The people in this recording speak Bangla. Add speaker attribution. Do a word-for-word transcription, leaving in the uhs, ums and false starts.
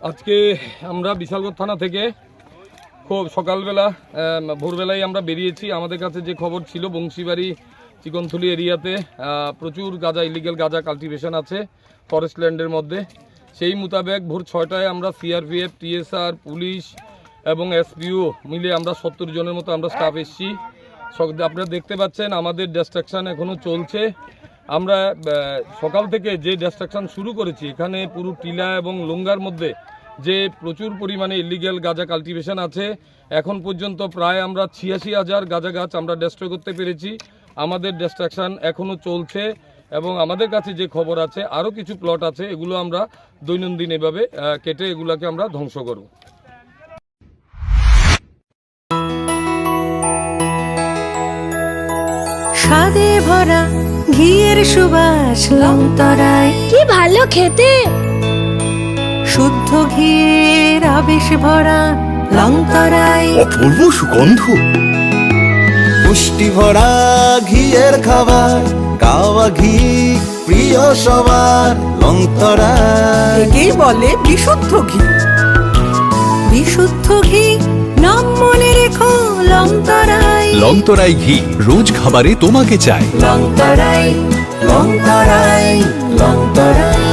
Speaker 1: আজকে আমরা বিশালগড় থানা থেকে খুব সকালবেলা ভোরবেলায় আমরা বেরিয়েছি। আমাদের কাছে যে খবর ছিল বংশীবাড়ি চিকনথুলি এরিয়াতে প্রচুর গাঁজা ইলিগেল গাঁজা কাল্টিভেশন আছে ফরেস্ট ল্যান্ডের মধ্যে। সেই মোতাবেক ভোর ছয়টায় আমরা সিআরপিএফ, টিএসআর, পুলিশ এবং এসপিও মিলে আমরা সত্তর জনের মতো আমরা স্টাফ এসেছি। আপনারা দেখতে পাচ্ছেন আমাদের ডিস্ট্রাকশন এখনও চলছে। আমরা সকাল থেকে যে ডিস্ট্রাকশন শুরু করেছি, এখানে পুরো টিলা এবং লুঙ্গার মধ্যে যে প্রচুর পরিমাণে ইলিগেল গাঁজা কাল্টিভেশন আছে, এখন পর্যন্ত প্রায় আমরা ছিয়াশি হাজার গাঁজা গাছ আমরা ডেস্ট্রয় করতে পেরেছি। আমাদের ডিস্ট্রাকশন এখনও চলছে এবং আমাদের কাছে যে খবর আছে আরও কিছু প্লট আছে, এগুলো আমরা দৈনন্দিন এভাবে কেটে এগুলোকে আমরা ধ্বংস করব।
Speaker 2: স্বাদে ভরা ঘিয়ের সুবাস লংতরায়,
Speaker 3: কি ভালো খেতে।
Speaker 2: শুদ্ধ ঘিয়ের আবেশ ভরা লংতরায়,
Speaker 4: অপূর্ব সুগন্ধ, পুষ্টি ভরা ঘিয়ের খাবার, কাওয়া ঘি প্রিয় সবার লংতরায়।
Speaker 2: একেই বলে বিশুদ্ধ ঘি। বিশুদ্ধ ঘি নাম মনে রেখো লংতরায়।
Speaker 5: লংতরাই ঘি রোজ খাবারে তোমাকে চাই।
Speaker 2: লংতরায় লংতরায় লংতরায়।